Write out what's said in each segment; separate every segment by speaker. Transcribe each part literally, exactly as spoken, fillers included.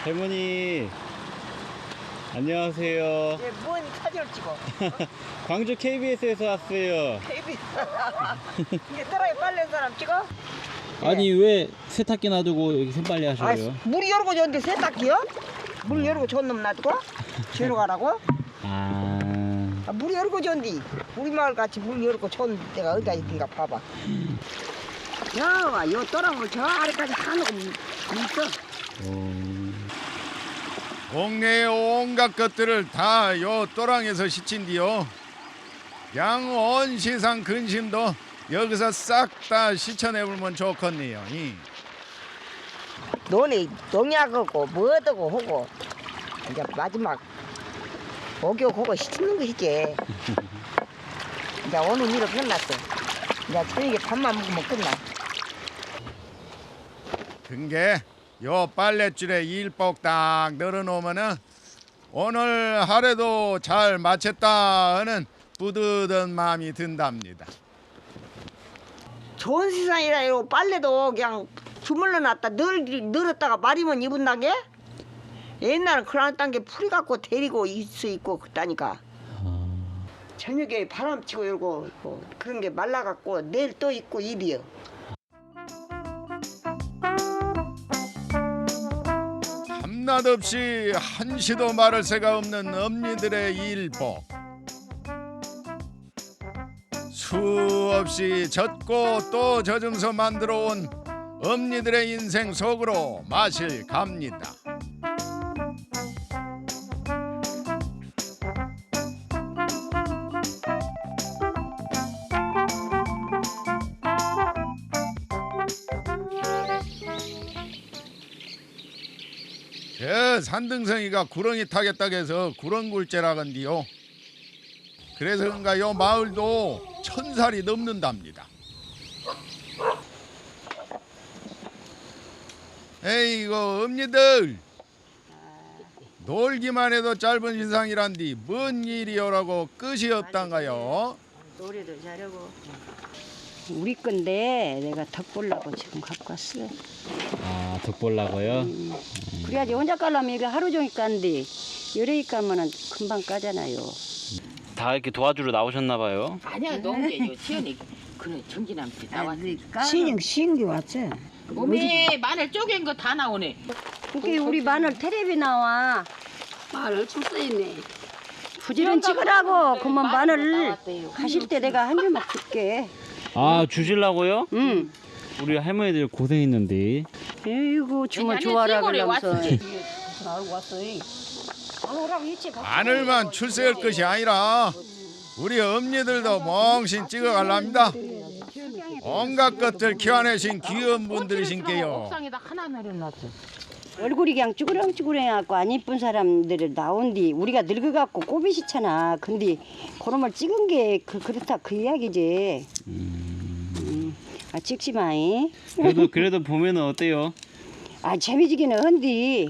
Speaker 1: 할머니 안녕하세요.
Speaker 2: 예, 뭔 사진을 찍어?
Speaker 1: 광주 케이비에스에서 왔어요.
Speaker 2: 케이비에스. 이게 떠라에 빨래 사람 찍어?
Speaker 1: 아니 왜 세탁기 놔두고 여기 샘빨래
Speaker 2: 아,
Speaker 1: 하셔요?
Speaker 2: 물 열고 줬는데 세탁기요? 물 열고 줬놈 놔두고? 죄로 가라고?
Speaker 1: 아,
Speaker 2: 아, 물 열고 줬는데 우리 마을 같이 물 열고 줬는 데가 어디가 있던가 봐봐. 야, 요 떠랑을 저 아래까지 다 놓고 있어.
Speaker 1: 어...
Speaker 3: 동네의 온갖 것들을 다 요 또랑에서 시친디요. 양 온 시상 근심도 여기서 싹 다 시쳐내보면 좋겠네요. 이.
Speaker 2: 논에 농약하고 뭐하고 하고 이제 마지막 목욕하고 씻는 것이지. 이제 오늘 일은 끝났어. 이제 저녁에 밥만 먹으면 끝나.
Speaker 3: 근게 요 빨랫줄에 일복 딱 널어놓으면은 오늘 하루도 잘 마쳤다 하는 뿌듯한 마음이 든답니다.
Speaker 2: 좋은 세상이라 요 빨래도 그냥 주물러 놨다 늘 늘었다가 말이면 입은단 게 옛날은 그랬단 게 풀이 갖고 데리고 있어 있고 그랬다니까. 저녁에 바람 치고 이러고 뭐 그런 게 말라갖고 내일 또 입고 입이요.
Speaker 3: 밤낮 없이 한시도 마를 새가 없는 엄니들의 일복. 수없이 젖고 또 젖으면서 만들어온 엄니들의 인생 속으로 마실 갑니다. 저 산등성이가 구렁이 타겠다고 해서 구렁굴제라건디요. 그래서 그런가 요 마을도 천살이 넘는답니다. 에이고 엄니들 놀기만 해도 짧은 인상이란디 뭔 일이 오라고 끝이 없단가요?
Speaker 4: 노래도 잘하고. 우리 건데 내가 덕보려고 지금 갖고 왔어.
Speaker 1: 아, 덕보려고요?
Speaker 4: 음. 그래야지 혼자 깔라면 이거 하루 종일 깐데 여러 까면은 금방 까잖아요.
Speaker 1: 다 이렇게 도와주러 나오셨나 봐요.
Speaker 5: 아니야 너무 게요 지연이 그래 정진함씨 나왔어.
Speaker 2: 신경 신기 왔지.
Speaker 5: 어메 마늘 쪼갠 거 다 나오네.
Speaker 4: 그게 우리 마늘 텔레비 나와.
Speaker 5: 마늘 출세있네.
Speaker 4: 부지런 찍으라고. 그러면
Speaker 5: 마늘
Speaker 4: 마늘
Speaker 5: 나왔대요.
Speaker 4: 가실 때 내가 한 줄만 줄게.
Speaker 1: 아, 주실라고요?
Speaker 4: 응.
Speaker 1: 우리 할머니들 고생했는데.
Speaker 4: 에이구 주문
Speaker 5: 아니,
Speaker 4: 좋아라
Speaker 5: 시골에
Speaker 4: 그러면서.
Speaker 5: 왔어.
Speaker 3: 마늘만 출세할 것이 아니라 우리 엄니들도 멍신 찍어갈랍니다. 온갖 것들 키워내신 귀여운 분들이신게요.
Speaker 5: 옥상에다 하나 내려놨어.
Speaker 4: 얼굴이 그냥 쭈그렁쭈그렁해갖고 안 이쁜 사람들을 나온디 우리가 늙어갖고 꼬비시잖아. 근데 그놈을 찍은 게 그, 그렇다 그 이야기지. 음. 아 찍지 마이.
Speaker 1: 그래도 그래도 보면은 어때요?
Speaker 4: 아 재미지기는 한디.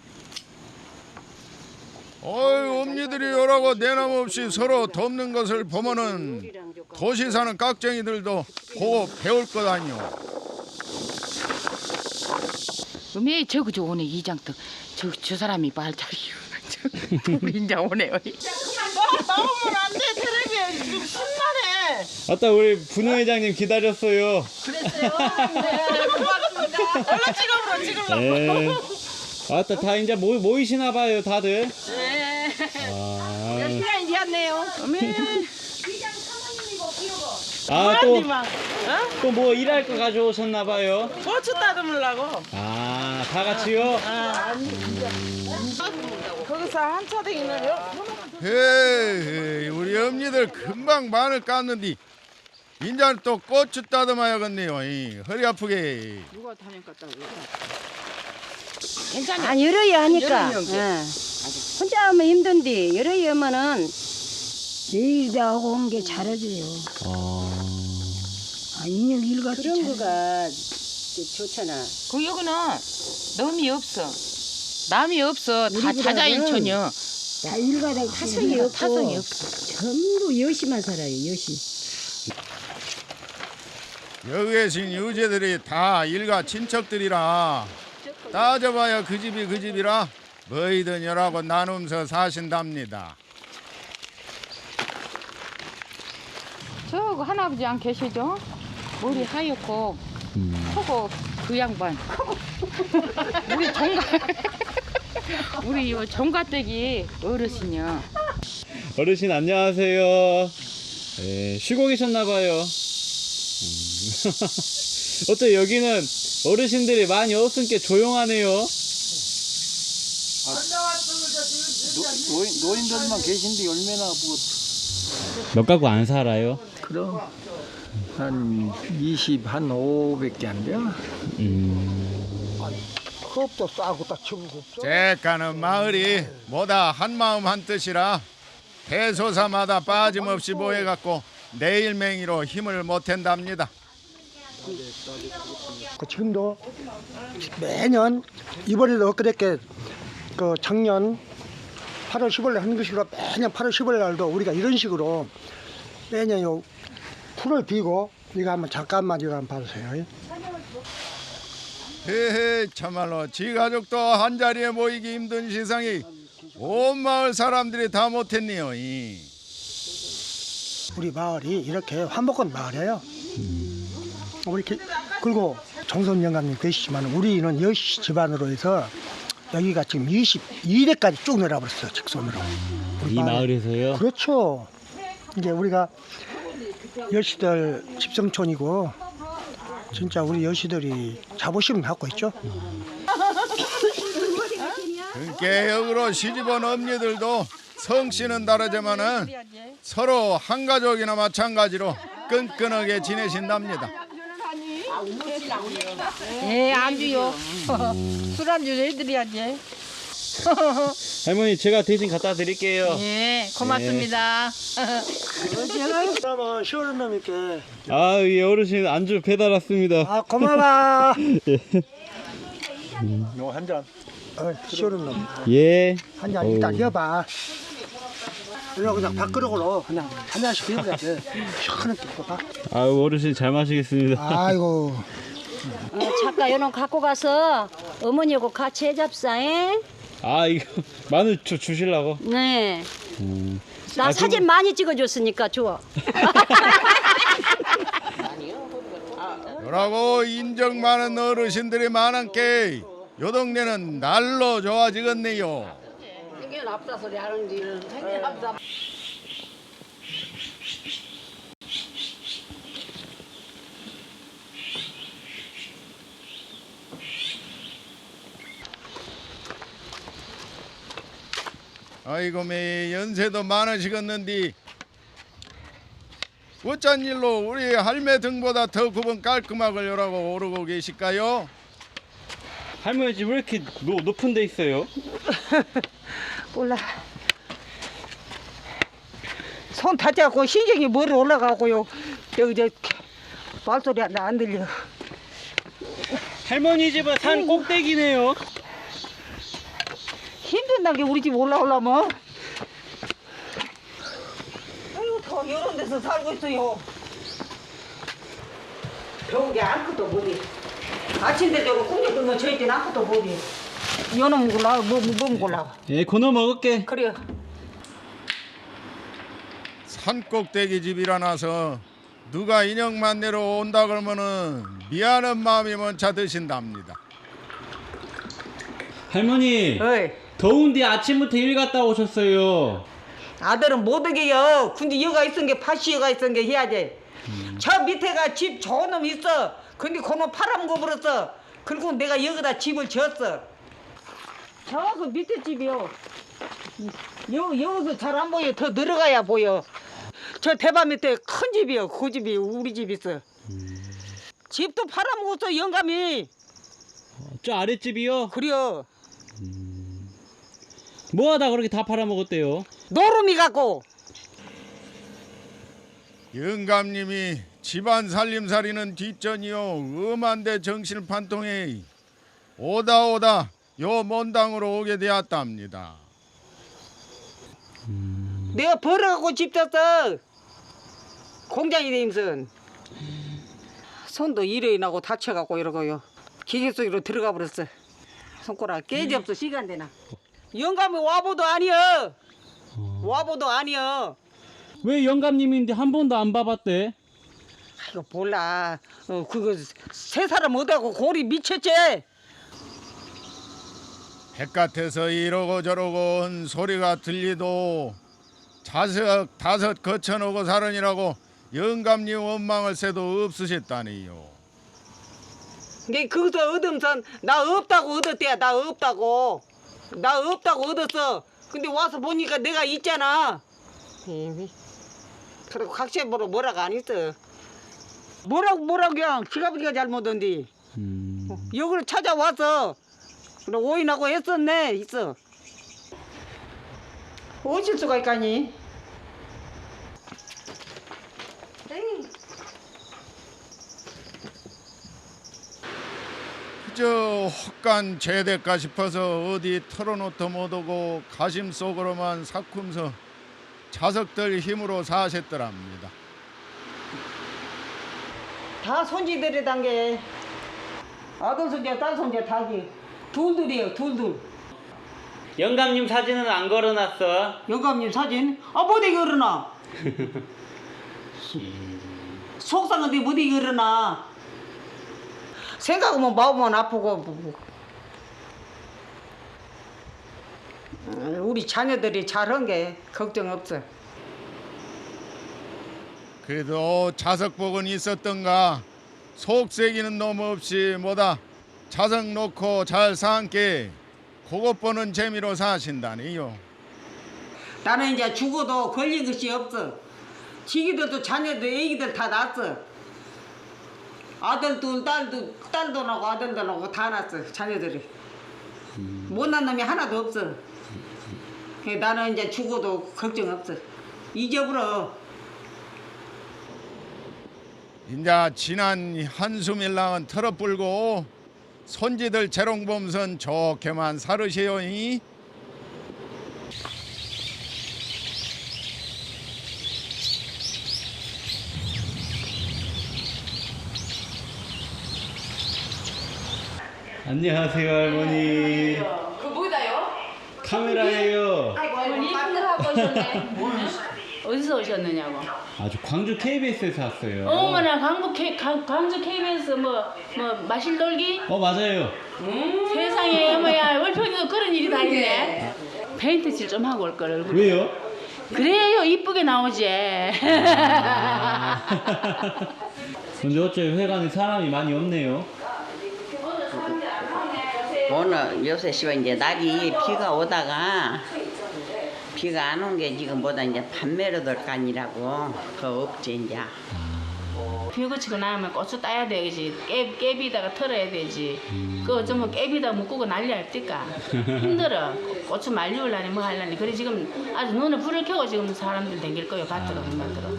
Speaker 3: 어이 엄니들이 요라고 내남없이 서로 돕는 것을 보면은 도시 사는 깍쟁이들도 보고 배울 것 아니오.
Speaker 5: 어메 저거 저 오네 이장떡. 저, 저 사람이 말자기요. 저 인자 오네.
Speaker 2: 나오면 안 돼. 텔레비에 지금 신나네.
Speaker 1: 아따 우리 분우 회장님 기다렸어요.
Speaker 2: 그랬어요? 네, 고맙습니다. 얼른 찍어보러 찍으려고.
Speaker 1: 네. 아따 다 이제 모, 모이시나 봐요 다들.
Speaker 2: 네.
Speaker 1: 아,
Speaker 2: 시간이 되었네요.
Speaker 1: 아 또
Speaker 2: 막,
Speaker 1: 또 뭐 일할 거 가져오셨나 봐요.
Speaker 2: 고추 따듬으려고.
Speaker 1: 아, 다 같이요?
Speaker 2: 아, 아니, 진짜. 거기서 한 차대기는
Speaker 3: 헤이 우리 엄니들 금방 마늘 깠는디 인자는 또 고추 따듬어야겠네요. 이, 허리 아프게.
Speaker 5: 누가 타면 갔다고.
Speaker 4: 아 여러이 하니까.
Speaker 2: 여러 명께.
Speaker 4: 예. 혼자 하면 힘든데 여러이 하면은
Speaker 6: 내일 다 하고 온 게 잘해줘요.
Speaker 1: 아,
Speaker 6: 아, 인형 일같이
Speaker 4: 그런
Speaker 6: 잘해.
Speaker 4: 거가 좋잖아.
Speaker 5: 그 여기는 남이 없어. 남이 없어. 다
Speaker 6: 우리보다는
Speaker 5: 자자일천이요.
Speaker 6: 다 일가다
Speaker 4: 타성이 없고
Speaker 5: 타성이 없어.
Speaker 6: 전부 여시만 살아요. 여시.
Speaker 3: 여기 계신 유재들이 다 일가 친척들이라 따져봐야 그 집이 그 집이라 뭐이든 여라고 나누면서 사신답니다.
Speaker 5: 저거 할아버지 안 계시죠? 머리 하얗고 크고 그 양반. 우리 종가 우리 이 종가댁이 어르신이요.
Speaker 1: 어르신 안녕하세요. 예, 쉬고 계셨나봐요. 음. 어째 여기는 어르신들이 많이 없으니까 조용하네요.
Speaker 7: 노인, 노인들만 계신데 얼마나 뭐
Speaker 1: 몇 가구 안 살아요?
Speaker 7: 그럼 한 이십, 한 오백개 안 돼요?
Speaker 1: 음.
Speaker 7: 컵도 싸고 딱 치고 없어.
Speaker 3: 째까는 마을이 뭐다 한마음 한뜻이라 대소사마다 빠짐없이 모여갖고 내일맹이로 힘을 못한답니다.
Speaker 8: 그 지금도 매년 이번에도 엊그저께 그 작년 팔월 십오일 날 하는 것이로 매년 팔월 십오일 날도 우리가 이런 식으로 매년 요 풀을 비고 이거 한번 잠깐만 이거 한번 봐주세요.
Speaker 3: 헤헤 참말로 지 가족도 한자리에 모이기 힘든 세상이 온 마을 사람들이 다 못했네요. 이.
Speaker 8: 우리 마을이 이렇게 환복한 마을이에요. 우리 기- 그리고 정선 영감님 계시지만 우리는 여시 집안으로 해서 여기가 지금 이십이 대까지 쭉 내려버렸어요. 직선으로. 우리
Speaker 1: 이
Speaker 8: 마을에.
Speaker 1: 마을에서요?
Speaker 8: 그렇죠. 이제 우리가 여시들 집성촌이고 진짜 우리 여시들이 자부심 갖고 있죠.
Speaker 3: 개혁으로 시집온 엄니들도 성씨는 다르지만은 서로 한 가족이나 마찬가지로 끈끈하게 지내신답니다.
Speaker 6: 예, 안주요. 술 안주 해드려야지.
Speaker 1: 할머니 제가 대신 갖다 드릴게요.
Speaker 6: 예, 고맙습니다.
Speaker 8: 그러면 시원한 놈 있게.
Speaker 1: 아, 이 어르신 안주 배달 왔습니다.
Speaker 8: 아 고마워.
Speaker 7: 요 한 잔.
Speaker 8: 어, 시원한 놈.
Speaker 1: 예.
Speaker 8: 한 잔
Speaker 1: 어우.
Speaker 8: 일단 이어봐. 이거 그냥 밥그릇으로 그냥 한 잔씩 비벼야 돼. 시원하게 이거 봐.
Speaker 1: 아, 어르신 잘 마시겠습니다.
Speaker 8: 아이고.
Speaker 4: 어, 잠깐 요놈 갖고 가서 어머니하고 같이 해잡사잉.
Speaker 1: 아, 이거 마늘 주, 주실라고?
Speaker 4: 네.
Speaker 1: 음.
Speaker 4: 나
Speaker 1: 아,
Speaker 4: 사진 많이 찍어줬으니까 좋아.
Speaker 3: 요라고 인정 많은 어르신들이 많은게 요 동네는 날로 좋아지겠네요. 아이고 매 연세도 많으시겠는디 어쩐 일로 우리 할매 등보다 더 구분 깔끔하게 요라고 오르고 계실까요?
Speaker 1: 할머니 집 왜 이렇게 노, 높은 데 있어요?
Speaker 6: 몰라. 손 다쳐갖고 신경이 머리 올라가고요. 여기 저 말소리 안, 안 들려.
Speaker 1: 할머니 집은 산 꼭대기네요.
Speaker 6: 힘든다는 게 우리 집 올라오려면. 아이고 더 이런 데서 살고 있어요. 더운 게 아무것도 못해. 아침에 저거 꿈에 끄면 저희 때는 아무것도 못해. 연어 먹으려고 뭐, 뭐 먹으려고.
Speaker 1: 예, 건어 먹을게.
Speaker 6: 그래요.
Speaker 3: 산 꼭대기 집이라나서 누가 인형만 내러 온다 그러면은 미안한 마음이 먼저 드신답니다.
Speaker 1: 할머니,
Speaker 6: 어이.
Speaker 1: 더운데 아침부터 일 갔다 오셨어요.
Speaker 6: 아들은 못 오게요. 근데 여가 있은 게 파시여가 있은 게 해야지. 저 밑에가 집 좋은 놈 있어. 근데 그놈 팔아먹어 버렸어. 그리고 내가 여기다 집을 지었어. 저 그 밑에 집이요. 여, 여기서 잘 안 보여. 더 들어가야 보여. 저 대바 밑에 큰 집이요. 그 집이 우리 집 있어. 집도 팔아먹었어 영감이.
Speaker 1: 저 아랫집이요?
Speaker 6: 그래요.
Speaker 1: 뭐하다 그렇게 다 팔아먹었대요?
Speaker 6: 노름이 갖고.
Speaker 3: 영감님이 집안 살림살이는 뒷전이요 음한데 정신을 판통해 오다 오다 요 먼당으로 오게 되었답니다.
Speaker 6: 내가 벌어갖고 집 졌어. 공장이 되면서 손도 일이 나고 다쳐갖고 이러고요. 기계 속으로 들어가 버렸어. 손가락 깨지 없어 시간 되나. 영감이 와보도 아니여. 와보도 아니여.
Speaker 1: 왜 영감님인데 한 번도 안 봐봤대?
Speaker 6: 이거 몰라. 어, 그거 세 사람 못하고 골이 미쳤지.
Speaker 3: 바깥에서 이러고 저러고 한 소리가 들리도 자석 다섯 거쳐놓고 살으니라고 영감님 원망을 새도 없으셨다니요.
Speaker 6: 이게 거기서 얻으면서 나 없다고 얻었대. 나 없다고. 나 없다고 얻었어. 근데 와서 보니까 내가 있잖아. 에이, 그리고 각시에 뭐라 뭐라가 안 있어. 뭐라고 뭐라고 그냥 지가부리가 잘못한디.
Speaker 1: 음.
Speaker 6: 여기를 찾아와서 그래 오인하고 했었네. 있어. 오실 수가 있까니.
Speaker 3: 그저 헛간 죄될까 싶어서 어디 털어놓도 못하고 가심 속으로만 삭히면서 자석들 힘으로 사셨더랍니다.
Speaker 6: 다 손지들이 단게 아들 손자 딸 손자 다기 둘둘이에요. 둘둘.
Speaker 1: 영감님 사진은 안 걸어놨어.
Speaker 6: 영감님 사진 아 못이 걸어놔. 속상한데 못이 걸어놔. 생각하면 마음은 아프고. 우리 자녀들이 잘한 게 걱정 없어.
Speaker 3: 그래도 자석복은 있었던가 속색이는 놈 없이 뭐다 자석 놓고 잘 산게 그것 보는 재미로 사신다니요.
Speaker 6: 나는 이제 죽어도 걸린 것이 없어. 지기들도 자녀들 애기들 다 낳았어. 아들도 딸도 딸도 나고 아들도 나고 다 낳았어. 자녀들이 못난 놈이 하나도 없어. 그래, 나는 이제 죽어도 걱정 없어. 잊어버려.
Speaker 3: 인자 지난 한숨일랑은 털어불고 손지들 재롱범선 좋게만 살으시오니.
Speaker 1: 안녕하세요 할머니.
Speaker 5: 그 뭐다요?
Speaker 1: 카메라예요.
Speaker 5: 어머니 힘들하고 오셨네. 어디서 오셨느냐고.
Speaker 1: 아주 광주 케이비에스에서 왔어요.
Speaker 5: 어머나 광주 K, 강, 광주 케이비에스 뭐 뭐 마실 놀기?
Speaker 1: 어 맞아요.
Speaker 5: 세상에 어머야 월평에도 그런 일이 다 있네. 페인트 칠 좀 하고 올 걸 얼굴.
Speaker 1: 왜요?
Speaker 5: 그래요 이쁘게 나오지.
Speaker 1: 근데 어째 회관에 사람이 많이 없네요.
Speaker 9: 오늘 요새 씨발 이제 날이 비가 오다가 비가 안 온 게 지금 보다 이제 밤매로 될 간이라고 더 없지 이제.
Speaker 5: 비 그치고 나면 고추 따야 되지. 깨, 깨비다가 털어야 되지. 그 어쩌면 깨비다 묶고 난리 할때까 힘들어. 고추 말리울라니 뭐 할라니. 그래 지금 아주 눈에 불을 켜고 지금 사람들 댕길 거예요. 밭으로 만들어.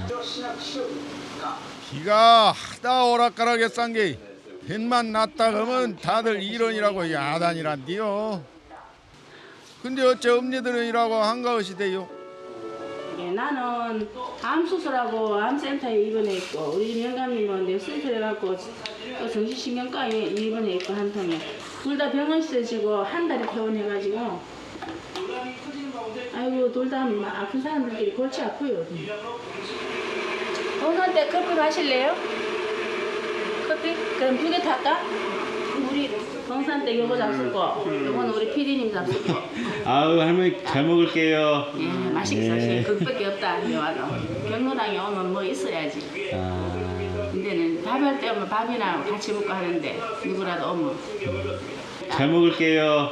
Speaker 3: 비가 하다 오락가락에 싼게 햇만 났다 그러면 다들 이런이라고 야단이란디요. 근데 어째 엄니들은 이라고 한가하시 돼요?
Speaker 5: 예, 나는 암 수술하고 암센터에 입원해 있고 우리 집 영감님은 뇌수술 해갖고 또 정신신경과에 입원해 있고 한 통에 둘 다 병원 쓰시고 한 달에 퇴원해가지고 아이고 둘 다 아픈 사람들끼리 골치 아파요. 오늘 때 커피 마실래요? 커피? 그럼 두 개 탈까? 우리 동산 때 요거 잡수고 요거는 우리 피디님 잡수고.
Speaker 1: 아우 할머니 잘 먹을게요.
Speaker 5: 예, 맛있게 사실 그것밖에 없다. 여기 와서 경로당에 오면 뭐 있어야지.
Speaker 1: 아,
Speaker 5: 근데는 밥할 때 오면 밥이나 같이 먹고 하는데 누구라도 오면.
Speaker 1: 잘 먹을게요.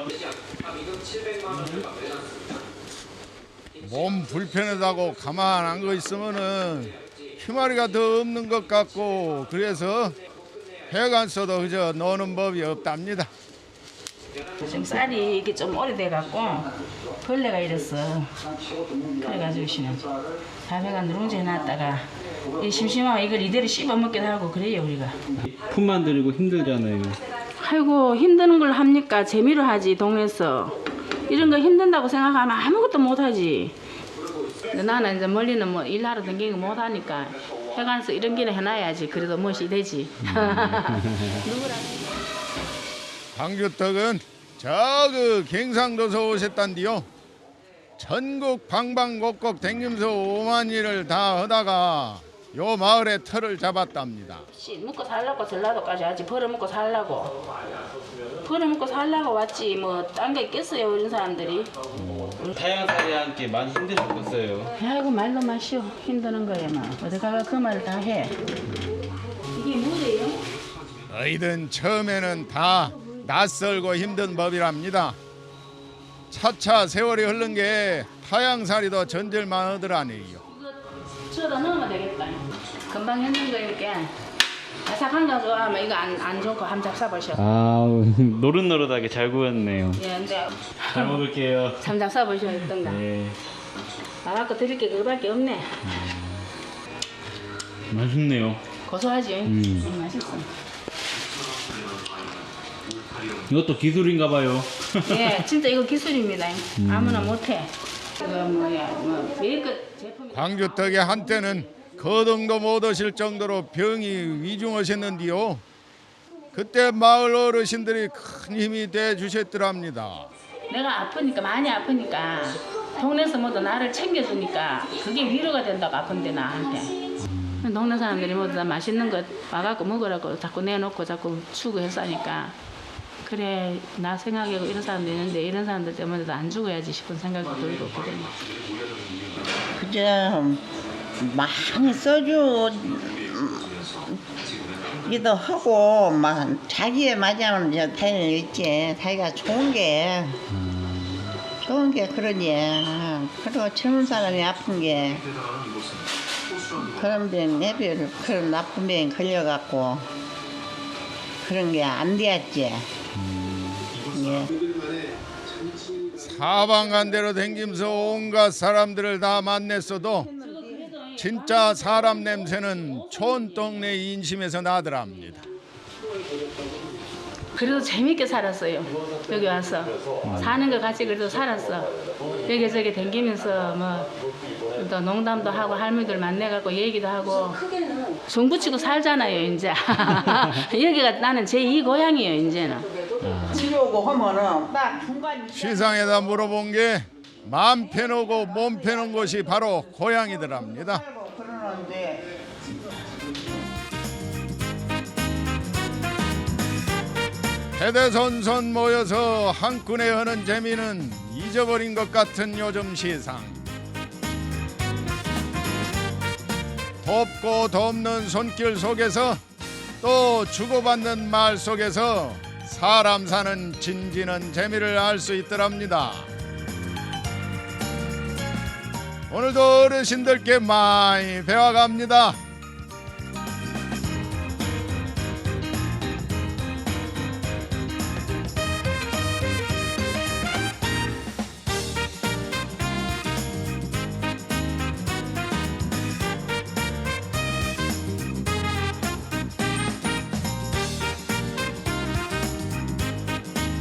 Speaker 3: 몸 불편하다고 가만 안 거 있으면은 희마리가 더 없는 것 같고 그래서 해간 써도 그저 노는 법이 없답니다.
Speaker 5: 지금 쌀이 이게 좀 오래돼 갖고 벌레가 이랬어. 그래가지고 씨는 밥에가 누룽지 해놨다가 이 심심하면 이걸 이대로 씹어 먹기도 하고 그래요 우리가.
Speaker 1: 품만 들이고 힘들잖아요.
Speaker 5: 아이고 힘드는 걸 합니까? 재미로 하지 동네에서. 이런 거 힘든다고 생각하면 아무것도 못하지. 근데 나는 이제 멀리는 뭐 일하러 다니는 거 못하니까 해관서 이런 길에 해놔야지. 그래도 멋이 되지. 누구라.
Speaker 3: 광주떡은 저 그 경상도서 오셨단디요. 전국 방방곡곡 댕기면서 오만일을 다 하다가 요 마을에 터를 잡았답니다.
Speaker 5: 씨 먹고 살라고 전라도까지 하지 벌어먹고 살라고 벌어먹고 살라고 왔지 뭐 딴 게 있겠어요 이런 사람들이.
Speaker 1: 타양살이 함께 많이 힘드셨겠어요.
Speaker 5: 아이고 말도 마시오 힘드는 거야 막 어디 가가 그 말을 다 해. 이게 뭐예요?
Speaker 3: 너희든 처음에는 다 낯설고 힘든 법이랍니다. 차차 세월이 흐른 게 타양살이도 전질만 하더라네요.
Speaker 5: 저다 넣으면 되겠다. 금방 했는 거니까 아삭한 거 좋아하면 이거 안, 안 좋고 함 잡숴보셔.
Speaker 1: 아 노릇노릇하게 잘 구웠네요.
Speaker 5: 예, 근데
Speaker 1: 잘 먹을게요.
Speaker 5: 잠 잡숴보셔 했던가.
Speaker 1: 네.
Speaker 5: 나갖고 드릴 게 그거밖에 없네.
Speaker 1: 맛있네요.
Speaker 5: 고소하지?
Speaker 1: 음.
Speaker 5: 음, 맛있어.
Speaker 1: 이것도 기술인가 봐요.
Speaker 5: 예, 진짜 이거 기술입니다. 아무나 못해. 이거 뭐야, 뭐 메이크 제품.
Speaker 3: 광주 덕에 한때는 거동도 못 하실 정도로 병이 위중하셨는데요. 그때 마을 어르신들이 큰 힘이 돼 주셨더랍니다.
Speaker 5: 내가 아프니까 많이 아프니까 동네에서 모두 나를 챙겨주니까 그게 위로가 된다고 아픈데 나한테. 동네 사람들이 모두 다 맛있는 거 와갖고 먹으라고 자꾸 내놓고 자꾸 추구했으니까 그래 나 생각하고 이런 사람도 있는데 이런 사람들 때문에도 안 죽어야지 싶은 생각이 들고 그러니.
Speaker 9: 그저 많이 써주 기도 하고 막 자기에 맞으면 저 다행히 있지. 자기가 좋은 게 좋은 게 그러니. 그리고 젊은 사람이 아픈 게 그런 병 내비를 그런 나쁜 병 걸려갖고 그런 게 안 되었지. 예.
Speaker 3: 사방간대로 댕기면서 온갖 사람들을 다 만났어도 진짜 사람 냄새는 촌동네 인심에서 나더랍니다.
Speaker 5: 그래도 재밌게 살았어요. 여기 와서 사는 거 같이 그래도 살았어. 여기저기 댕기면서 뭐 또 농담도 하고 할머니들 만나갖고 얘기도 하고 종부치고 살잖아요 이제. 여기가 나는 제이 고향이에요 이제는.
Speaker 9: 치료고 하면은 딱 중간
Speaker 3: 시상에다 물어본 게 마음 편하고 몸 편한 곳이 바로 고향이더랍니다.
Speaker 9: 그러는데
Speaker 3: 대대손손 모여서 한끈에 하는 재미는 잊어버린 것 같은 요즘 시상. 돕고 돕는 손길 속에서 또 주고받는 말 속에서 사람 사는 진지는 재미를 알 수 있더랍니다. 오늘도 어르신들께 많이 배워갑니다.